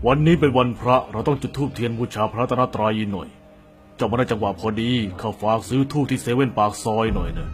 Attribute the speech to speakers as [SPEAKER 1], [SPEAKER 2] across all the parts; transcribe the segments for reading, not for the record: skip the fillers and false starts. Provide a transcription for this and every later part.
[SPEAKER 1] วันนี้เป็นวันพระเราต้องจุดธูปเทียนบูชาพระรัตนตรัยหน่อยเจ้ามาได้จังหวะพอดีข้าฝากซื้อธูปที่เซเว่นปากซอยหน่อยนะ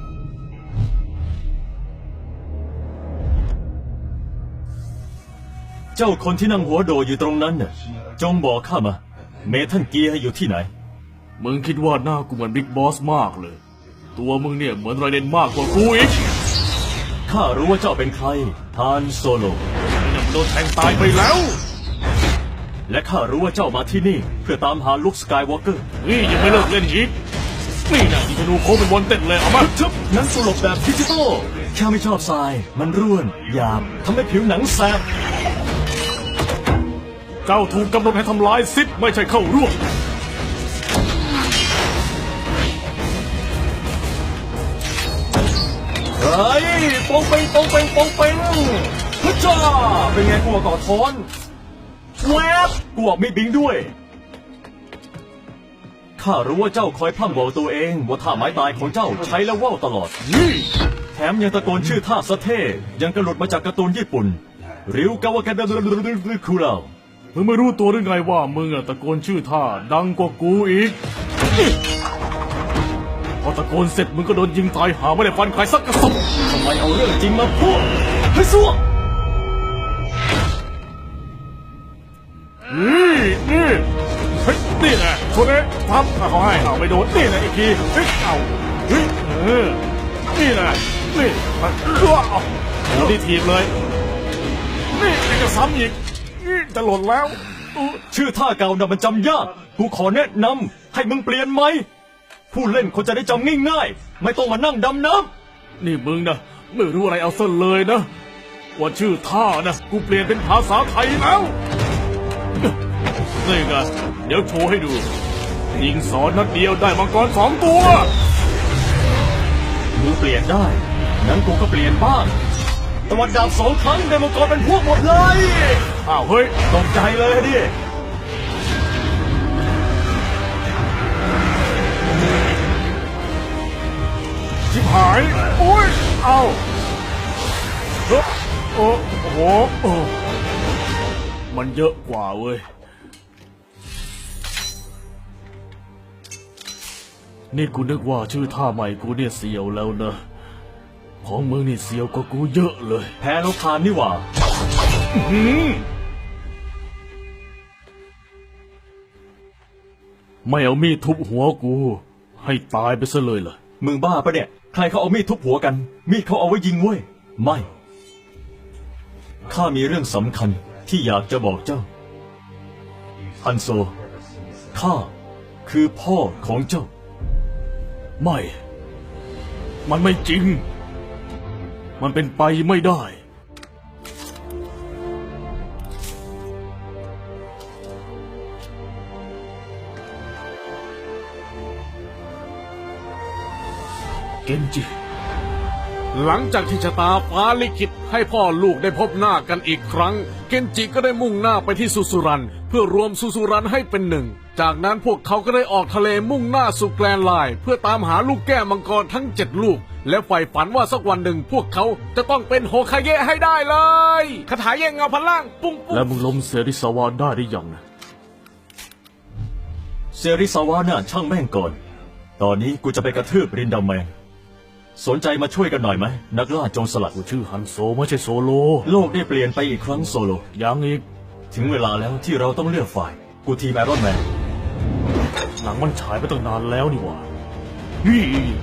[SPEAKER 2] เจ้าคนที่นั่งหัวโดอยู่ตรงนั้นน่ะจงบอกข้ามาเมทัลเกียร์อยู่ที่ไหน
[SPEAKER 1] มึงคิดว่าหน้ากูเหมือนบิ๊กบอสมากเลยตัวมึงเนี่ยเหมือนไรเดนมากกว่ากูอีก
[SPEAKER 2] ข้ารู้ว่าเจ้าเป็นใครฮานโซโล
[SPEAKER 1] เนี่ยโดนแทงตายไปแล้ว
[SPEAKER 2] และข้ารู้ว่าเจ้ามาที่นี่เพื่อตามหาลุคสกายวอล์กเกอร์
[SPEAKER 1] นี่ยังไม่เลิกเล่นอีกนี่นะที่ธนูโค้งเป็นบอลเต็ดเลยเอามา
[SPEAKER 2] ทึบนั้นสลบแบบดิจิตอลข้าไม่ชอบทรายมันร่วนหยาบทำให้ผิวหนังแสบ
[SPEAKER 1] เจ้าถูกกำหนดให้ทำลายซิดไม่ใช่เข้าร่วม
[SPEAKER 2] เฮ้ยปองเป่งปองเป่งปองเป่งฮึจ้าเป็นไงกลัวก่อท้อนแวบกลัวไม่บิงด้วยข้ารู้ว่าเจ้าคอยพร่ำบอกตัวเองว่าท่าไม้ตายของเจ้าใช้แล้วว่าวตลอดแถมยังตะโกนชื่อท่าสะเท่ยังกระหลุดมาจากการ์ตูนญี่ปุ่นริวกาวะแกดคูเรา
[SPEAKER 1] มึงไม่รู้ตัวหรือไงว่ามึงตะโกนชื่อท่าดังกว่ากูอีกพอตะโกนเสร็จมึงก็โดนยิงตายหาไม่ได้ฟันใครสักกระสุน
[SPEAKER 2] ทำไมเอาเรื่องจริงมาพูดเฮ้ยซัว
[SPEAKER 1] นี่เฮ้ยนี่แหละคนนี้ทับเขาให้เอาไปโดนนี่แหละอีกทีเฮ้ยเอาเฮ้ยนี่แหละนี่มันเอาโดนที่ทีมเลยนี่จะซ้ำอีกจะหล่นแล้ว
[SPEAKER 2] ชื่อท่าเก่าน่ะมันจำยากกูขอแนะนำให้มึงเปลี่ยนไหมผู้เล่นคนจะได้จำง่ายๆไม่ต้องมานั่งดำน้
[SPEAKER 1] ำนี่มึงนะไม่รู้อะไรเอาซะเลยนะว่าชื่อท่านะกูเปลี่ยนเป็นภาษาไทยแล้วนี่ไงเดี๋ยวโชว์ให้ดูยิงสอนนัดเดียวได้มังกร2 ตัว
[SPEAKER 2] มึงเปลี่ยนได้นั้นกูก็เปลี่ยนบ้างตะวันดาบ2 ครั้งได้มังกรเป็นพวกหมดเลย
[SPEAKER 1] อ้าวเฮ้ย
[SPEAKER 2] ตกใจเลยดิ
[SPEAKER 1] ชิบหายโอ้ยเอาโอ้โหมันเยอะกว่าเว้ยนี่กูนึกว่าชื่อท่าใหม่กูเนี่ยเสียวแล้วนะของมึงนี่เสียวกว่ากูเยอะเลย
[SPEAKER 2] แพ้แล้วพานนี่หว่า
[SPEAKER 1] ไม่เอามีดทุบหัวกูให้ตายไปซะเลยเหรอ
[SPEAKER 2] มึงบ้าปะเนี่ยใครเขาเอามีดทุบหัวกันมีดเขาเอาไว้ยิงเว้ยไม่ข้ามีเรื่องสำคัญที่อยากจะบอกเจ้าฮันโซข้าคือพ่อของเจ้า
[SPEAKER 1] ไม่มันไม่จริงมันเป็นไปไม่ได้เกนจิ
[SPEAKER 3] หลังจากที่ชะตาฟ้าลิขิตให้พ่อลูกได้พบหน้ากันอีกครั้งเกนจิก็ได้มุ่งหน้าไปที่สุสุรันเพื่อรวมสุสุรันให้เป็นหนึ่งจากนั้นพวกเขาก็ได้ออกทะเลมุ่งหน้าสู่แกรนด์ไลน์เพื่อตามหาลูกแก้วมังกรทั้ง7 ลูกและใฝ่ฝันว่าสักวันหนึ่งพวกเขาจะต้องเป็นโฮคาเงะให้ได้เลยคาถาแย่งเงาพลังปุ้งปุ้ง
[SPEAKER 1] แล้วมึงล้มเซริสาวาได้หรือยังนะ
[SPEAKER 2] เซริสาวาน่ะช่างแม่งก่อนตอนนี้กูจะไปกระทืบรินดาแมนสนใจมาช่วยกันหน่อยไหมนักล่าโจรสลัด
[SPEAKER 1] กูชื่อฮันโซไม่ใช่โซโล
[SPEAKER 2] โลกได้เปลี่ยนไปอีกครั้งโซโล
[SPEAKER 1] ยังอีก
[SPEAKER 2] ถึงเวลาแล้วที่เราต้องเลือกฝ่ายกูทีมไอรอนแมน
[SPEAKER 1] หนังมันฉายไปตั้งนานแล้วนี่หว่านี่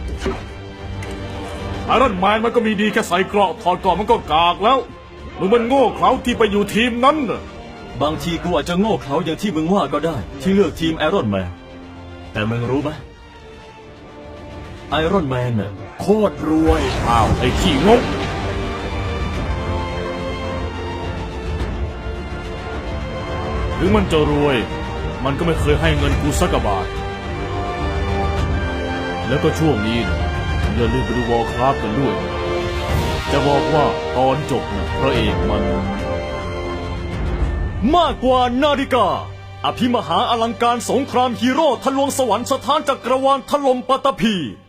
[SPEAKER 1] ไอรอนแมนมันก็มีดีแค่ใส่เกราะถอดเกราะมันก็กากแล้วมึงมันโง่เขลาที่ไปอยู่ทีมนั้นน่ะ
[SPEAKER 2] บางทีกูอาจจะโง่เขลาอย่างที่มึงว่าก็ได้ที่เลือกทีมไอรอนแมนแต่มึงรู้ไหมไอรอนแมนน่ะโคตรรวย
[SPEAKER 1] อ้าวไอ้ขี้งกถึงมันจะรวยมันก็ไม่เคยให้เงินกูสักบาทแล้วก็ช่วงนี้นะอย่าลืมไปดูวอร์คราฟกันด้วยจะบอกว่าตอนจบนะพระเอกมัน
[SPEAKER 2] มากกว่านาฬิกาอภิมหาอลังการสงครามฮีโร่ทะลวงสวรรค์สถานจักรวาลถล่มปัตตภี